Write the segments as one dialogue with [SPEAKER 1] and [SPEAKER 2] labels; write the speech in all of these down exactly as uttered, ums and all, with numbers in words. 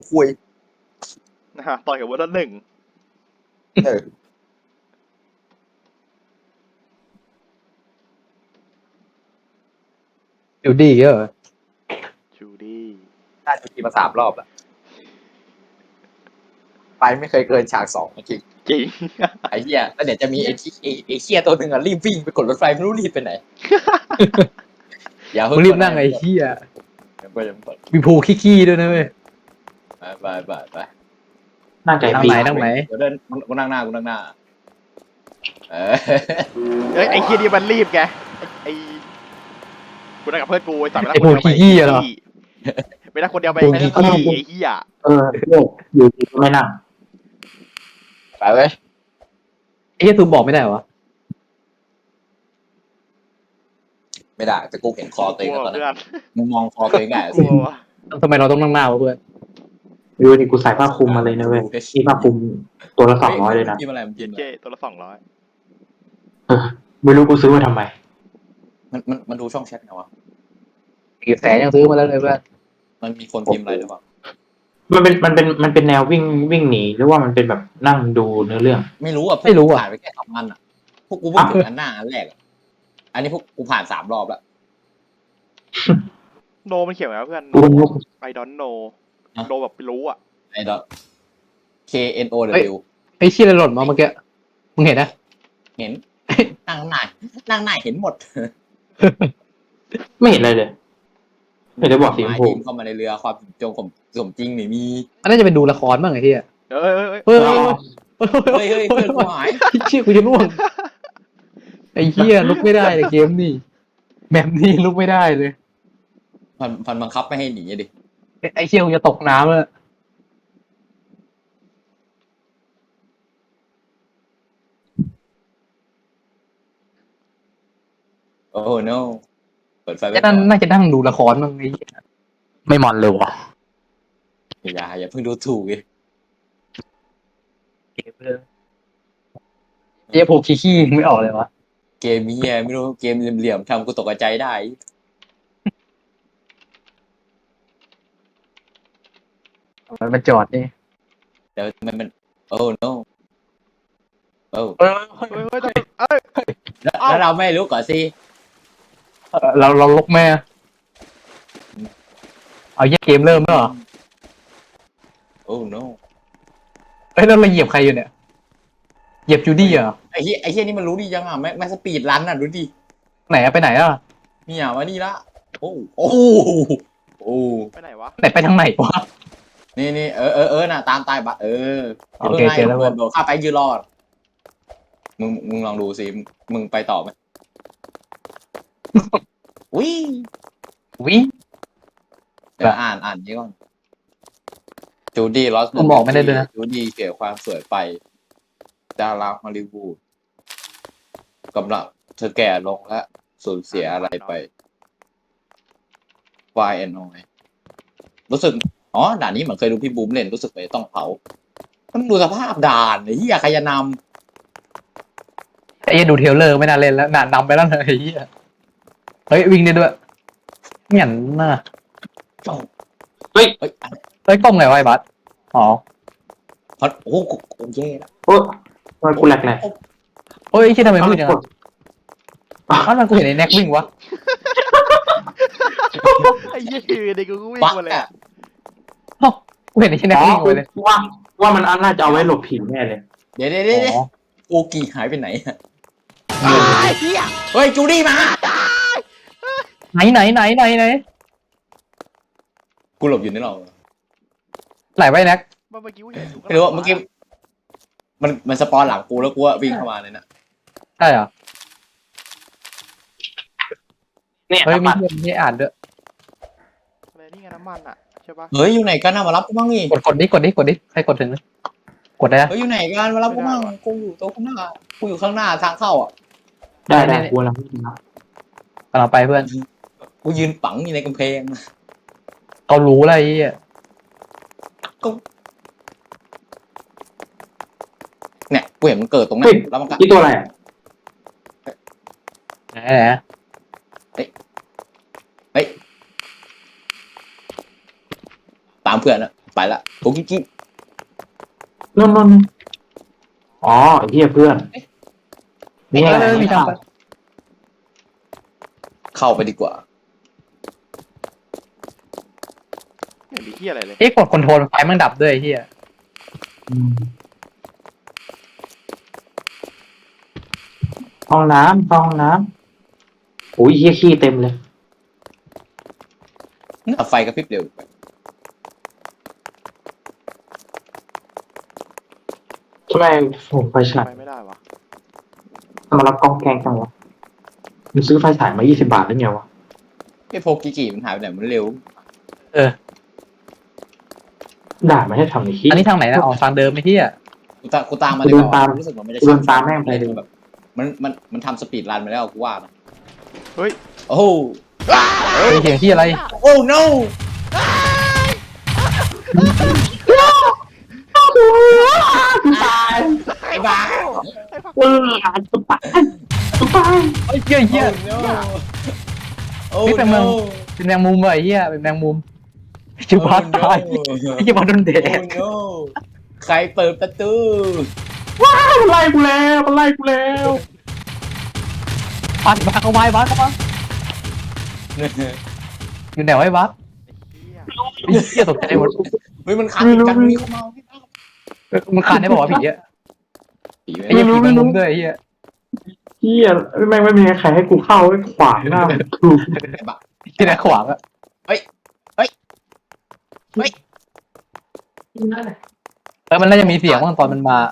[SPEAKER 1] คุย
[SPEAKER 2] นะฮะต่อยกับเวอร์ชันหนึ่ง
[SPEAKER 1] เออ
[SPEAKER 3] อยู่ดีเหรอ
[SPEAKER 2] จูดี้
[SPEAKER 1] ได้จูดี้มาสามรอบแล้วไปไม่เคยเกินฉากสองจริง
[SPEAKER 2] จริง
[SPEAKER 1] ไอ้เหี้ยแล้วเดี๋ยวจะมีไอ้ที่ไอ้ไอ้เหี้ยตัวหนึ่งอ่ะรีบวิ่งไปกดรถไฟไม่รู้รีบไปไหนอย่าเพิ่
[SPEAKER 3] มึ
[SPEAKER 1] ง
[SPEAKER 3] งรีบนั่งไอ้เหี้ย
[SPEAKER 1] ไปยังไป
[SPEAKER 3] มีภูขี้ๆด้วยนะเว้ย
[SPEAKER 1] ไปไปไป
[SPEAKER 4] นั่งไก่
[SPEAKER 3] นั่ง
[SPEAKER 4] ปี
[SPEAKER 3] ไหนนั่งไหน
[SPEAKER 1] กูเดินกูนั่งหน้ากูนั่งหน้าเออ
[SPEAKER 2] เอ้ยไอ้เคียนี่มันรีบไงไอ้กูนั่งกับเพื่อนกูไอ้สัตว์ไม่
[SPEAKER 3] ไอ้
[SPEAKER 2] นั่ง
[SPEAKER 3] ภู
[SPEAKER 2] คนเดียวไป
[SPEAKER 3] ขี้ๆอะเหรอ
[SPEAKER 2] ไม่นั่งคนเดียวไป
[SPEAKER 3] ภู
[SPEAKER 2] ไอ้
[SPEAKER 3] ขี้
[SPEAKER 2] ไอ้เหี้ย
[SPEAKER 4] เออโยกอยู่ดีก็ไม่นั่ง
[SPEAKER 1] ไปเว้ย
[SPEAKER 3] ไอ้เหี้ยซูมบอกไม่ได้เหรอ
[SPEAKER 1] ไม่ได้แต่กูเห็นคอตัวเอง
[SPEAKER 2] กลัว
[SPEAKER 1] ตอนนั้
[SPEAKER 2] เพื่อน
[SPEAKER 1] นมึงมองคอตัวเองได้
[SPEAKER 2] กลัววะ
[SPEAKER 3] ทำไมเราต้องนั่งหน้าวะเพื่อน
[SPEAKER 4] ดูดิกูใส่ผ้าคลุมมาเลยนะเว้ยนี่ผ้าคลุมตัวละสองร้อยเลยนะ
[SPEAKER 1] กินอะไรมันกิน
[SPEAKER 2] เจตัวละสองร้อย
[SPEAKER 4] เออไม่รู้กูซื้อมาทำไม
[SPEAKER 1] มันมันมันดูช่องแชทไงวะ
[SPEAKER 3] กี่แสนยังซื้อมาแล้วเลยเพื่อน
[SPEAKER 1] มันมีคนพิมพ์อะไรหรือเปล่า
[SPEAKER 4] มันเป็นมันเป็นมันเป็นแนววิ่งวิ่งหนีหรือว่ามันเป็นแบบนั่งดูเนื้อเรื่อง
[SPEAKER 1] ไม่รู้อ่ะพวก
[SPEAKER 3] ไม่รู้อ่ะ
[SPEAKER 1] ผ่านไปแค่สองอันอ่ะพวกกูเพิ่งถึงอันหน้าอันแรกอ่ะอันนี้พวกกูผ่านสามรอบแล้ว
[SPEAKER 2] โนมันเขียนไว้ว่าเพื่อน
[SPEAKER 4] กูเป็นลูก
[SPEAKER 2] ไอดอนโนโนแบบไม่รู้อ่ะ
[SPEAKER 1] ไอ้ดอท K N O W
[SPEAKER 3] ไอ้เชี่ยอะไรหล่นมาเมื่อกี้มึงเห็นนะ
[SPEAKER 1] เห็น นั่งหน้านั่งหน้าเห็นหมด
[SPEAKER 4] ไม่เห็นอะไรเลยไม่ได้บอกสีชมพู
[SPEAKER 1] ทีมเข้ามาในเรือความจงผมสมจริงไม่มี
[SPEAKER 3] อันน่าจะเป็นดูละครบ้างไอ้เหี้ย
[SPEAKER 2] เอ้ยเอ้ยเอ้ย
[SPEAKER 3] เฮ้ย
[SPEAKER 1] เฮ้ยเฮ้ยเพื่อนกูหาย
[SPEAKER 3] เชี่ยกูจะล่วงไอ้เหี้ยลุกไม่ได้เลยเกมนี่แบบนี้ลุกไม่ได้เลย
[SPEAKER 1] มันมันบังคับไม่ให้หนีดิ
[SPEAKER 3] ไอ้เชี่ยกูจะตกน้ำแล้ว
[SPEAKER 1] โอ้ no เปิดไฟไว้
[SPEAKER 3] ไอ้
[SPEAKER 1] ก่อ
[SPEAKER 3] นั่น
[SPEAKER 1] น
[SPEAKER 3] น่าจะนั่งดูละครบ้างไอ้เหี้ยไม่มันเลยวะ
[SPEAKER 1] อย่าอย่าเพิ่งดูถูกดิ
[SPEAKER 3] เกมเลยเหี้ยพวกขี้ๆไม่ออกเลยวะ
[SPEAKER 1] เกมเฮียไม่รู้เกมเหลี่ยมๆทำกูตกใจได้
[SPEAKER 3] มันมาจอดนี่
[SPEAKER 1] แต่มันมันโอ้ no โอ้
[SPEAKER 3] เออ
[SPEAKER 2] เฮ้ยเฮ้ยเอ้ย
[SPEAKER 1] แล้ว
[SPEAKER 2] เอ้า
[SPEAKER 1] แล้วเราไม่รู้ก่อนสิ
[SPEAKER 3] เราเราลกแม่เอาเหี้ยเกมเริ่มแล้วเหรอ
[SPEAKER 1] โอ้ no
[SPEAKER 3] เฮ้ยแล้วเราเหยียบใครอยู่เนี่ยเหยียบจูดี้เหรอ
[SPEAKER 1] ไอ้เฮียไอ้เฮียนี่มันรู้ดีจังอ่ะแม่แม่สปีดรันอ่ะดูดิ
[SPEAKER 3] ไหนอะไปไหนอะ
[SPEAKER 1] นี่อ่ะมานี่ละโอ้โอ้โอ้
[SPEAKER 2] ไปไหนวะ
[SPEAKER 3] ไหนไปทางไหนวะ
[SPEAKER 1] นี่นี่เออเออเออน่ะตามตายบัตรเออ
[SPEAKER 3] โอเคเจอแล้ว
[SPEAKER 1] โดดโดดข้าไปยืนรอดมึงมึงลองดูสิมึงไปต่อไหมอุ้ย
[SPEAKER 3] วิ่ง
[SPEAKER 1] เดี๋ยวอ่านอ่านนี้ก่อนจูดี้ลอส
[SPEAKER 3] ผมบอกไม่ได้ด้วยนะ
[SPEAKER 1] จูดี้เสียความสวยไปดาราฮอลลีวูดกำลังเธอแก่ลงและสูญเสียอะไรไป Y N O รู้สึกอ๋อด่านนี้เหมือนเคยดูพี่บูมเล่นรู้สึกไปต้องเผามันดูสภาพด่านไอ้เหี้ยใครจะน
[SPEAKER 3] ไอ้เหี้ยดูเทรลเลอร์ไม่น่าเล่นแล้วน่านำไปแล้วเลยไอ้เหี้ยเฮ้ยวิ่งได้ด้วยเหงียนน่ะ
[SPEAKER 1] ำเฮ้ยเฮ้ยอัน
[SPEAKER 3] เฮ้ยกล้องไงวะไอ้บัสอ๋อ
[SPEAKER 1] พอโอ้โหโอเคแล้ว
[SPEAKER 4] โอ้ทำไมกูแหลกแหลก
[SPEAKER 3] เฮ้ยไอ้เชี่ยทำไมมืดจังอะอ้าวมันกูเห็นไอ้แน็กวิ่งวะ
[SPEAKER 2] ไอ้เหี้ยคือเด็กกูวิ่ง
[SPEAKER 1] บัก
[SPEAKER 2] มาเลย
[SPEAKER 1] อะ
[SPEAKER 3] อ้าวกูเห็นไอ้เชี่ยแน็ก
[SPEAKER 4] อ๋อ
[SPEAKER 3] วิ่งไปเลย
[SPEAKER 4] ว่าว่ามันน่าจะเอาไว้หลบผีแน่เลย
[SPEAKER 1] เดี๋ยวเดี๋ยวเดี๋ยว
[SPEAKER 3] อ๋อ
[SPEAKER 1] โอกีหายไปไหนอะ
[SPEAKER 2] ไอ้เหี้ย
[SPEAKER 1] เฮ้ยจูดี้มา
[SPEAKER 3] ไหนไหนไหนไหนไหน
[SPEAKER 1] กูหลบอยู่ในหรอก
[SPEAKER 3] ไหลไปแน็ก
[SPEAKER 2] เมื่อกี้กูเห็นอยู่
[SPEAKER 1] ไม่รู้ว่าเมื่อกี้มันมันสปอนหลังกูแล้วกูว่าวิ่งเข้ามาเลยนะ
[SPEAKER 3] ใช่เหรอ
[SPEAKER 4] เนี่ย
[SPEAKER 3] เฮ้ยมี
[SPEAKER 4] น้ำมัน
[SPEAKER 3] เพื่อนมีอ่านด้วย
[SPEAKER 2] อะไรนี่ไงน้ำมันอ่ะใช่ปะ
[SPEAKER 1] เฮ้ยอยู่ไหนกันนะมารับกูบ้างนี่
[SPEAKER 3] กดกดดิกดดิกดดิใครกดถึงนะกดได้นะ
[SPEAKER 1] เฮ้ยอยู่ไหนกันมารับกูบ้างกูอยู่ตรงข้างหน้ากูอยู่ข้างหน้าทางเข้าอ่ะ
[SPEAKER 4] ได้ได้กูกำลังวิ่งนะ
[SPEAKER 3] กำลังไปเพื่อน
[SPEAKER 1] กูยืนปังอยู่ในกำแพง
[SPEAKER 3] เขารู้อะไรไอ้เหี้ย
[SPEAKER 1] เนี่ยกูเห็นมันเกิดตรงนั้
[SPEAKER 4] เฮ้ย
[SPEAKER 1] นแล้วมันก็
[SPEAKER 4] นี่ตัวอะไรอ่ะ
[SPEAKER 3] ไหนไหน
[SPEAKER 1] เฮ้ยตามเพื่อนอะไปละโกกิกิ
[SPEAKER 4] นนนนอ๋อไอ้เหี้ยเพื่อนนี่
[SPEAKER 3] เอ
[SPEAKER 4] ไง
[SPEAKER 3] อมีทางไป
[SPEAKER 1] เข้าไปดีกว่า
[SPEAKER 2] ไม่มีที่อะไรเลย
[SPEAKER 3] เอ๊ะกดคอนโทรลไฟมันดับด้วยไอ้เฮีย
[SPEAKER 4] อืมห้องน้ำห้องน้ำโอ้ยเหี้ยขี้เต็มเลย
[SPEAKER 1] ไฟกระพริบเร็ว
[SPEAKER 4] ทำไมผมไฟฉาย
[SPEAKER 2] ไปไม่ได้วะ
[SPEAKER 4] ทำไมรับกล้องแกงจังวะมันซื้อไฟฉายมายี่สิบบาทได้ไงวะ
[SPEAKER 1] ไอ้โพกิกิมันหายไปไหนมันเร็ว
[SPEAKER 3] เออ
[SPEAKER 4] ด่าไม่ให้ทำไอ้ขี้
[SPEAKER 3] อันนี้ทางไหนนะออกทางเดิมไอ้เฮีย
[SPEAKER 1] กูตามกูตามมาดีกว่ารู้สึกว่ามันจะ
[SPEAKER 4] เดินตามแม่งไปเลย
[SPEAKER 1] แบบมันมันมันทำสปีดรันมาแล้วกูว่านะ
[SPEAKER 2] เฮ้ย
[SPEAKER 1] โอ้โห
[SPEAKER 3] เฮ้ยเสียงที่อะไร
[SPEAKER 1] โอ้ no
[SPEAKER 4] กูตาย
[SPEAKER 1] ไอ้บ้า
[SPEAKER 4] เออกูตายกูตาย
[SPEAKER 3] เฮ้ยเฮียเฮีย
[SPEAKER 1] โอ้
[SPEAKER 3] นี่เป็นเมือง เป็นแมงมุมว่ะไอ้เฮียเป็นแมงมุมจิบาตายไอ้จิบาโดนเด
[SPEAKER 1] โอ้
[SPEAKER 3] ด
[SPEAKER 1] no ใครเปิดประตู
[SPEAKER 4] มันไล่กูแล้วมันไล่กูแล้ว
[SPEAKER 3] บัสบัสเข้าไว้บัสเข้ามาอยู่ไหนไว้บัส
[SPEAKER 2] ไอ้เหี้ย
[SPEAKER 3] ไอ้เฮียตกใจหมด
[SPEAKER 1] เฮ้ยมันขัดกันมีเข้ามา
[SPEAKER 3] มันขาดได้บอกว่าผีอะ
[SPEAKER 1] ผี
[SPEAKER 3] ไอ้เฮียผีแมงมุมด้วยไอ้เฮีย
[SPEAKER 4] เฮียแม่งไม่มีใครให้กูเข้าไอ้ขวางหน้ากู
[SPEAKER 1] ไอ้บ้า
[SPEAKER 3] ที่ไหนขวางอะเออมันน่าจะมีเสียงบ้างตอนมันมา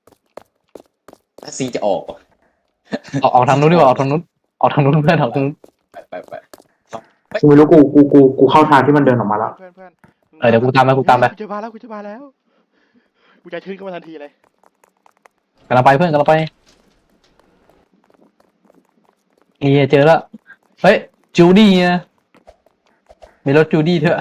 [SPEAKER 1] ซีจะออก
[SPEAKER 3] ออกออกทางนู้นดีกว่าออกทางนู้นออกทางนู้นเพื่อนออกทางนู้น
[SPEAKER 1] ไปไปไป
[SPEAKER 4] กูไม่รู้กูกูกูกูเข้าทางที่มันเดินออกมาแล้ว
[SPEAKER 2] เพื่อนเพื่อน
[SPEAKER 3] เออเดี๋ยวกูตามไปกูตามไป
[SPEAKER 2] กูจะมาแล้วกูจะมาแล้วกูจะชื่นขึ้นมาทันทีเลย
[SPEAKER 3] กำลังไปเพื่อนกำลังไปเฮียเจอแล้วเฮ้ยจูดี้นะมีรถจูดี้เถอะ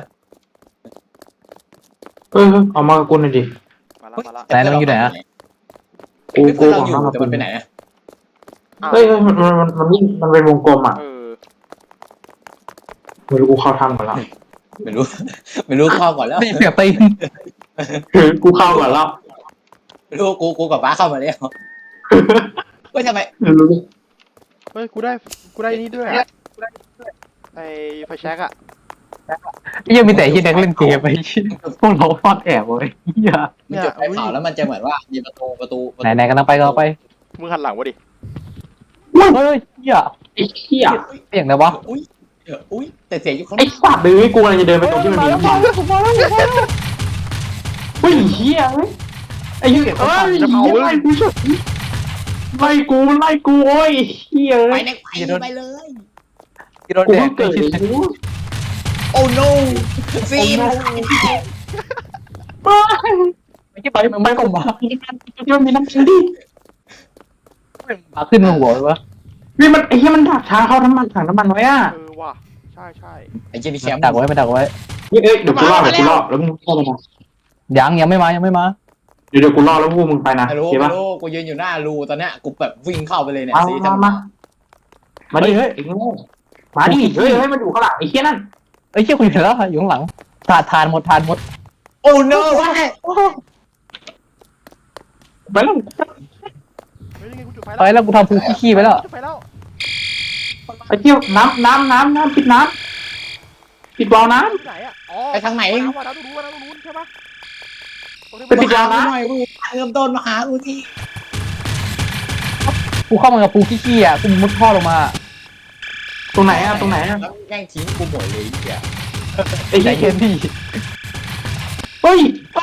[SPEAKER 4] เออเอามากับกูหน่อยดิ
[SPEAKER 2] มาแล้วมาแล้ว
[SPEAKER 3] ไหนแล้วมันอยู่ไหนอะ
[SPEAKER 4] กู
[SPEAKER 1] กู
[SPEAKER 4] กู
[SPEAKER 1] เรา
[SPEAKER 4] ขอ
[SPEAKER 1] อยู่
[SPEAKER 4] ห้ามมา
[SPEAKER 1] แต่
[SPEAKER 4] กู
[SPEAKER 1] มันไปไหนอะ
[SPEAKER 2] อ้าว
[SPEAKER 4] เฮ้ยเฮ้ยมันมันมันมันวิ่งมันเป็นวงกลมอ่ะ
[SPEAKER 2] เออ
[SPEAKER 4] ไม่รู้กูเข้าทางก่อนแล้ว
[SPEAKER 1] ไม่รู้ ไม่รู้เข้าก่อนแล้ว
[SPEAKER 3] นี่เสียงตีน
[SPEAKER 4] คือกูเข้าก่อนแล้ว
[SPEAKER 1] ไม่รู้กูกูกับป้าเข้ามาแล้วก็ทำไม
[SPEAKER 4] ไม่รู้
[SPEAKER 2] เฮ้ยกูได้กูได้นี่ด้วยอะไอ้ไฟแช็กอะ
[SPEAKER 3] ยังมีแต่ที่เด็กเล่นเกมไปพวกเราฟอดแอบเลยเฮีย
[SPEAKER 1] มันจุดไฟเผาแล้วมันจะเหมือนว่ามีประตูประตูประ
[SPEAKER 3] ไหน
[SPEAKER 1] ตู
[SPEAKER 3] ไหนกำลังไปกำลังไป
[SPEAKER 2] มึงหันหลังวะดิ
[SPEAKER 3] เฮ้ยเฮีย
[SPEAKER 4] ไอ้เหี้ย
[SPEAKER 3] เสียงอะไรวะ
[SPEAKER 1] อุ้ยอุ้ยแต่เสียงอยู่ข้าง
[SPEAKER 4] ไอ้สัตว์เลยกูกำลังจะเดินไปตรงที่มันมีหินเฮ้ยเหี้ยเฮ้ยไอ้เหี้ยเอ้ยไล่กูเฉยไล่กูไล่กูโอ้ยเหี้ย
[SPEAKER 1] ไป
[SPEAKER 4] เอ้ย
[SPEAKER 1] ในไปไปเลย
[SPEAKER 3] กินโดน
[SPEAKER 4] กู
[SPEAKER 3] แด
[SPEAKER 4] เพิ่
[SPEAKER 3] ก
[SPEAKER 4] งเกิดเลยกู
[SPEAKER 1] โอ้ no ฟิล์ม
[SPEAKER 3] ไม่ใช่ไปมันไม่ก็มา
[SPEAKER 4] มันมีน้ำมันดิ
[SPEAKER 3] มาขึ้นมาหัวเลยวะ
[SPEAKER 4] นี่มันไอ้เหี้ยมันดักทางเข้าน้ำมันถังน้ำมันไว้อ่ะ
[SPEAKER 2] เออว่ะใช่ใช่
[SPEAKER 1] ไอ้เจนี่แชมป์
[SPEAKER 3] ดักไว้ไม่ดักไว้
[SPEAKER 4] เอ้ยเดี๋ยวกูรอเดี๋ยวกูรอแล้วมึงเข้าไปนะ
[SPEAKER 3] ยังยังไม่มายังไม่มา
[SPEAKER 4] เดี๋ยวเดี๋ยวกูรอแล้วพวกมึงไปนะ
[SPEAKER 1] ไม่รู้
[SPEAKER 4] เห็น
[SPEAKER 1] ไม่
[SPEAKER 4] ปะ
[SPEAKER 1] รู้กูยืนอยู่หน้ารูตอนเนี้ยกูแบบวิ่งเข้าไปเลยเนี่ย
[SPEAKER 4] มา
[SPEAKER 1] ซี
[SPEAKER 4] มา
[SPEAKER 1] ทั้ง
[SPEAKER 4] มามาดิเฮ้ยไอ้โง่มาดิเฮ้ยเฮ้ยมันอยู่ข้างหลังไอ้เหี้ยนั่น
[SPEAKER 3] เอ้ยเชี่ยคุณเห็นแล้วอยู่ข้างหลังทานทานหมดทานหมด
[SPEAKER 1] โอ้ no
[SPEAKER 4] ไปแล้ว
[SPEAKER 2] เฮ้ยยังไงกูจุดไฟ
[SPEAKER 3] ไปแล้วกูทำฟูขี้ๆไปแล้ว
[SPEAKER 2] จุดไฟแล้ว
[SPEAKER 4] ไปเที่ยวน้ำน้ำน้ำน้ำปิดน้ำปิดวาล์วน้
[SPEAKER 2] ที่ไหนอะอ๋อ
[SPEAKER 1] ไปทางไหน
[SPEAKER 2] น้ำว่าน้ำตรงนู้นว่าน้ำตรงนู้นใช่ปะตรงที่
[SPEAKER 4] ไป
[SPEAKER 2] มัน
[SPEAKER 4] ปิดวาล์ว
[SPEAKER 1] ห
[SPEAKER 4] น้
[SPEAKER 1] น่อยกูเริ่มต้นมาหากูที
[SPEAKER 3] กูเข้ามากับฟูขี้ๆอ่ะกูมุดท่อลงมา
[SPEAKER 4] ำตรงไหนอะตรงไหนอะ
[SPEAKER 1] แล้วแย่งทิ้งกูหมดเลยไอ้เหี้ย
[SPEAKER 4] ไอ้
[SPEAKER 3] ใจ
[SPEAKER 4] เหี้ย
[SPEAKER 3] เย็นพี่
[SPEAKER 4] เฮ้ยป้า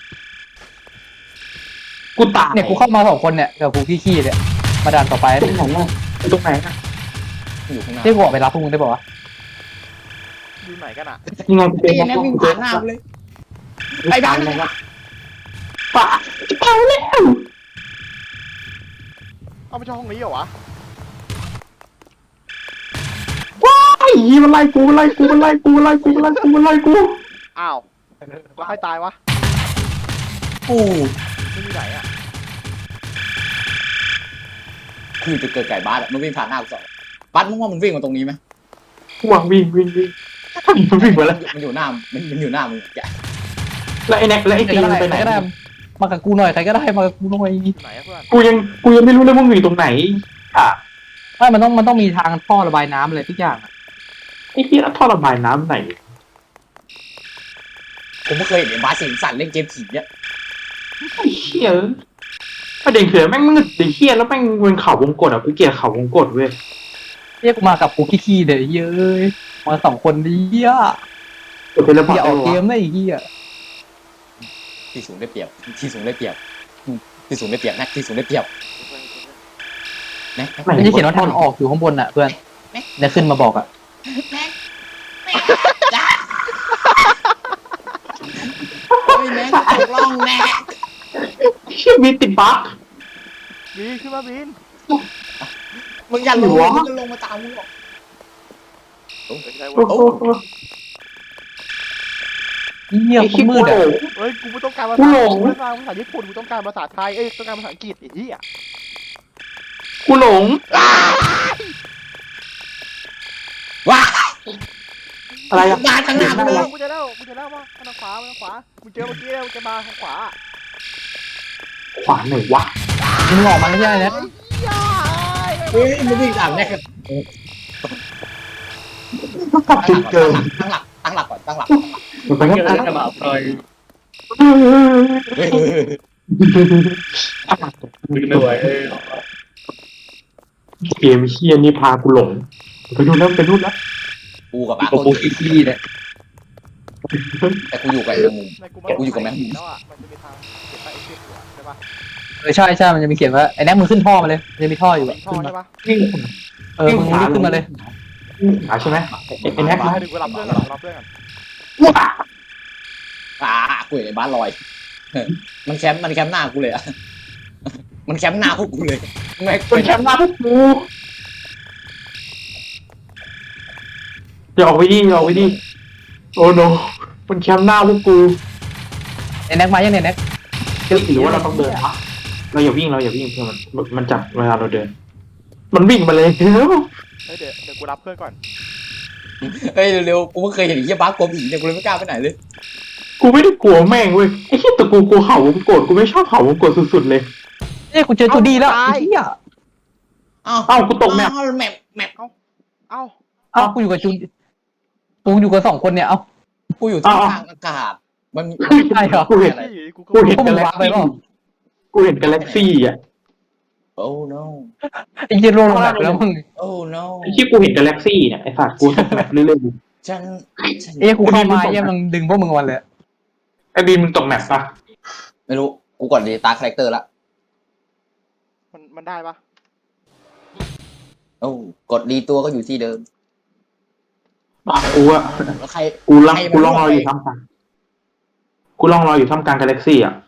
[SPEAKER 4] กูตาย
[SPEAKER 3] เนี่ยกูเข้ามาสองคนเนี่ยกับฟูขี้ๆเนี่ยมาดันต่อไป
[SPEAKER 4] ตรงไหนอะตรงไหนอะ
[SPEAKER 1] อยู่ข้างหน้า
[SPEAKER 3] ที่กูออกไปรับพวกมึงได้ป่าวะ
[SPEAKER 2] อยู่ไหนกันอะ
[SPEAKER 4] ยังไงกูเจ
[SPEAKER 1] ไอ้
[SPEAKER 4] อ
[SPEAKER 1] เหี้ยแม่งวิ่งผ่านหน้ากูเลยไปบ้านมัน
[SPEAKER 4] ป้าจะตายแล้ว
[SPEAKER 2] เอาไปช่องห้องนี้เหรอวะ
[SPEAKER 4] ว้ายมันไล่กูมันไล่กูมันไล่กูมันไล่กูมันไล่กูมันไล่กู
[SPEAKER 2] อ้าวแล้วใครตายวะ
[SPEAKER 1] กู
[SPEAKER 2] ไม่มีไหนอะ
[SPEAKER 1] คือจะเกิดไก่บ้านอะมันวิ่งผ่านหน้ากูสองบัสมึงว่ามันวิ่งมาตรงนี้ไหม
[SPEAKER 4] หวังวิ่งวิ่งวิ่งมันวิ่งมาแล้ว
[SPEAKER 1] มันอยู่หน้ามันมันอยู่หน้ามึงแก
[SPEAKER 4] แล้วไอ้แน็กแล้วไอ้
[SPEAKER 3] ใคร
[SPEAKER 4] ตี
[SPEAKER 3] ก็
[SPEAKER 4] มัน
[SPEAKER 3] ได้
[SPEAKER 4] ไป
[SPEAKER 3] ใค
[SPEAKER 4] ไห
[SPEAKER 3] ร
[SPEAKER 4] น
[SPEAKER 3] ก็ได้มากับกูหน่อยใครก็ได้มากับกูหน่อย
[SPEAKER 2] อยู่ไหนอะเพื่อน
[SPEAKER 4] กูยังกูยังไม่รู้เลยมึงอยู่ตรงไหนอ่ะ
[SPEAKER 3] ไม่มันต้องมันต้องมีทางท่อระบายน้ำอะไรทุกอย่างอะ
[SPEAKER 4] ไอ้เหี้ยท่อระบายน้ำไหน
[SPEAKER 1] ผมไม่เคยเห็นไอ้บาสเสียงสั่นเล่นเกมผีเนี่ย
[SPEAKER 4] ไอ้เหี้ยประเด็นคือแม่งมืดไอ้เหี้ยแล้วแม่งเป็นเขาวงกตอ่ะกูเกลียดเขาวงกตเว้ย
[SPEAKER 3] เรียกกูมากับกูขี้ๆเดี๋ยวเย้ยมาสองคนดีอ่ะ
[SPEAKER 4] กดเทเลพอร์
[SPEAKER 3] อย่า
[SPEAKER 4] ต
[SPEAKER 3] อ
[SPEAKER 4] ได้
[SPEAKER 3] อกเก
[SPEAKER 4] วะ
[SPEAKER 3] มได้อีกทีอ่ะ
[SPEAKER 1] ที่สูงได้เปรียบที่สูงได้เปรียบอืมที่สูงได้เปรียบนะที่สูงได้เปรียบนะ
[SPEAKER 3] มันจะเขียนว่าทางออกอยู่ข้างบนอ่ะเพื่อนเนี่ยขึ้นมาบอกอ่ะ
[SPEAKER 1] โอ้ยแม่งตกล่องแน่
[SPEAKER 4] เชี่ยมีติดบั๊ก
[SPEAKER 2] บินขึ้นมาบิน
[SPEAKER 1] มึงอย่าลง
[SPEAKER 4] หัว
[SPEAKER 1] มึงจะลงมาตามมึงหรอก
[SPEAKER 2] ไม่ใช่
[SPEAKER 4] โอ้
[SPEAKER 2] เว้ย
[SPEAKER 4] โห
[SPEAKER 3] เหี้ย
[SPEAKER 4] ไอ้
[SPEAKER 3] ค
[SPEAKER 4] ขี้
[SPEAKER 3] น
[SPEAKER 4] กู
[SPEAKER 3] มืด
[SPEAKER 4] หล
[SPEAKER 3] อ่ะ
[SPEAKER 4] ง
[SPEAKER 2] เฮ้ยกูไม่ต้องการภา
[SPEAKER 4] กู
[SPEAKER 2] ษา
[SPEAKER 4] หลง
[SPEAKER 2] กูไม่ต้องการภาษาญี่ปุ่นกูต้องการภาษาไทยเอ้ยต้องการภาษาอังกฤษไอ้เหี้ย
[SPEAKER 4] กูหลง
[SPEAKER 1] ว้า
[SPEAKER 4] อะไรอ่ะ
[SPEAKER 1] บาสข้างหน้ากูเลย
[SPEAKER 2] กูจะเล่ากูจะเล่ามาทางขวาทางขวามึงเจอเมื่อกี้แล้วมึงจะมาทางขวา
[SPEAKER 4] ขวาไหนวะ
[SPEAKER 3] มึงออกมาไม่ใช่นะ
[SPEAKER 1] เฮ้ยมึงวิ่งตามแน่ครับ
[SPEAKER 4] กลับจุดเดิม
[SPEAKER 1] ตั้งหลักตั้งหลักก่อนตั้งหลัก
[SPEAKER 4] มันไปก็ตาม
[SPEAKER 3] มาปล่อย
[SPEAKER 1] เฮ้ย
[SPEAKER 3] ไม่ไหว
[SPEAKER 4] เกมเฮียนี่พากูหลงไปดูแล้วไปดูแล้ว
[SPEAKER 1] กูกับบาส
[SPEAKER 3] กู
[SPEAKER 1] คน
[SPEAKER 3] กูขี้ๆเนี่ย
[SPEAKER 1] แต่กูอยู่กับไอ้มุม
[SPEAKER 2] ในกู
[SPEAKER 1] กูอยู่กับแม่ง
[SPEAKER 2] แล้วอ่ะมันจะมีทางเก็บไปไอ้เก็บหัวใช่ปะ
[SPEAKER 3] เออใช่ใช่มันจะมีเขียนว่าไอ้แน็กมึงขึ้นท่อมาเลยมันจะมีท่ออยู่
[SPEAKER 2] มี
[SPEAKER 3] อะ
[SPEAKER 2] ท่อใช่ปะ
[SPEAKER 4] วิ่ง
[SPEAKER 3] เออมึงรีบขึ้นมาเลย
[SPEAKER 4] ขาใช่ไหมไอ้ไอ้แน็ก
[SPEAKER 2] มา
[SPEAKER 4] นะ
[SPEAKER 2] ให้ดูกูรับเพื่อนก่อนรับเพื่อนก่อน
[SPEAKER 4] ว้า
[SPEAKER 1] อ่ากูเห็นไอ้บาสลอยมันแคมป์มันแคมป์หน้ากูเลยอะมันแคมป์หน้าพวกกูเลยไม่
[SPEAKER 4] เป็นแชมป์หน้าพวกกูอย่าออกไปดิอย่าออกไปดิโอ้โนมันแชมป์หน้าพวกกู
[SPEAKER 3] ไอ้แน็กมายังเนี่ยแน็ก
[SPEAKER 4] หรือว่าเราต้องเดินวะเราอย่าวิ่งเราอย่าวิ่งเพื่อมันมันจับเวลาเราเดิน มันวิ่งมาเลยเฮ้ย
[SPEAKER 2] เฮ้ยเดี๋ยวเดี๋ยวกูรับเพื่อนก่อน
[SPEAKER 1] เฮ้ยเร็วๆกูไม่เคยเห็นไอ้เหี้ยบาสกลัวผีเนี่ยกูเลยไม่กล้าไปไหนเลย
[SPEAKER 4] กูไม่ได้กลัวแม่งเว้ยไอ้เหี้ยแต่กูกลัวเขาวงกดกูไม่ชอบเขาวงกดสุดๆเลย
[SPEAKER 3] เนี่ยกูเจอจูดี้แล้วไอ้เหี้ย
[SPEAKER 1] อ้าว
[SPEAKER 4] เอ้ากูตกแมป
[SPEAKER 1] อ้าวแมปแมป
[SPEAKER 2] เอ้า
[SPEAKER 3] เอ้ากูอยู่กับจูกูอยู่กับสองคนเนี่ยเอ้า
[SPEAKER 1] กูอยู่ที่กลางอากาศมันมี
[SPEAKER 3] ใช่เหรอ
[SPEAKER 4] กูเห็น
[SPEAKER 2] เฮ้ยกูก็
[SPEAKER 4] กูเห็น
[SPEAKER 3] พวกมึ
[SPEAKER 4] กาง แล็ก
[SPEAKER 3] วางไป
[SPEAKER 4] ซี่
[SPEAKER 3] เปล่า
[SPEAKER 4] กูเห็นกาแล็กซี่อ่ะ
[SPEAKER 1] โอ้ no
[SPEAKER 3] ไอ้เหี้ยโรลงแบบแล้วมึง
[SPEAKER 1] โอ้ no
[SPEAKER 4] ไอ้ที่กูเห็นกาแล็กซี่เนี่ยไอ้สัตว์กูตกแมปเรื่อย
[SPEAKER 1] ฉันฉัน
[SPEAKER 3] เอ้ยกูเข้ามาเยี่ยมงดึงพวกมึงวันเลย
[SPEAKER 4] ๆไอ้บีมมึงตกแมปปะ
[SPEAKER 1] ไม่รู้กูกดดีตาคาแรคเตอร์ละ
[SPEAKER 2] มันมันได้ปะ
[SPEAKER 1] โอ้กดดีตัวก็อยู่ที่เดิม
[SPEAKER 4] อ่ะกูอะ
[SPEAKER 1] แล้วใคร
[SPEAKER 4] กูลัง
[SPEAKER 1] ใครมัน
[SPEAKER 4] กูลองรออยู่
[SPEAKER 1] ด้วย
[SPEAKER 4] ท่ามกลางกูลองรออยู่ท่ามกลางกาแล็กซี่อ่ะ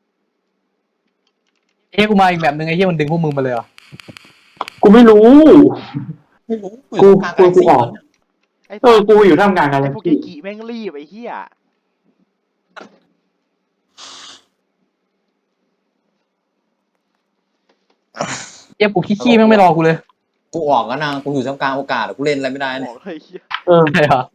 [SPEAKER 3] เอ้ยกูมาอีกแบบนึงไอ้เหี้ยมันดึงพวกมึงมาเลยเหรอ
[SPEAKER 4] กูไม่รู้
[SPEAKER 1] ไม่รู้
[SPEAKER 4] กู
[SPEAKER 1] อยู่ตรง
[SPEAKER 4] กูกูออก
[SPEAKER 2] ไอ้
[SPEAKER 4] เออกูอยู่ท่ามกลางกา
[SPEAKER 2] ไอ้
[SPEAKER 4] แล็ก
[SPEAKER 2] พวก
[SPEAKER 4] ซี่
[SPEAKER 2] เกกิแม่งรีบไอ้เหี้ย
[SPEAKER 3] เอ้ยกูขี้ๆแม่งไม่รอกูเลย
[SPEAKER 1] กูออกแล้วนะกูอยู่ท่ามกลางโอกาสกูเล่นอะไรไม่ได้
[SPEAKER 2] บ
[SPEAKER 1] เนี่ย
[SPEAKER 2] อกเลยไอ้เหี้ย
[SPEAKER 4] เออ
[SPEAKER 3] ใช่เหรอ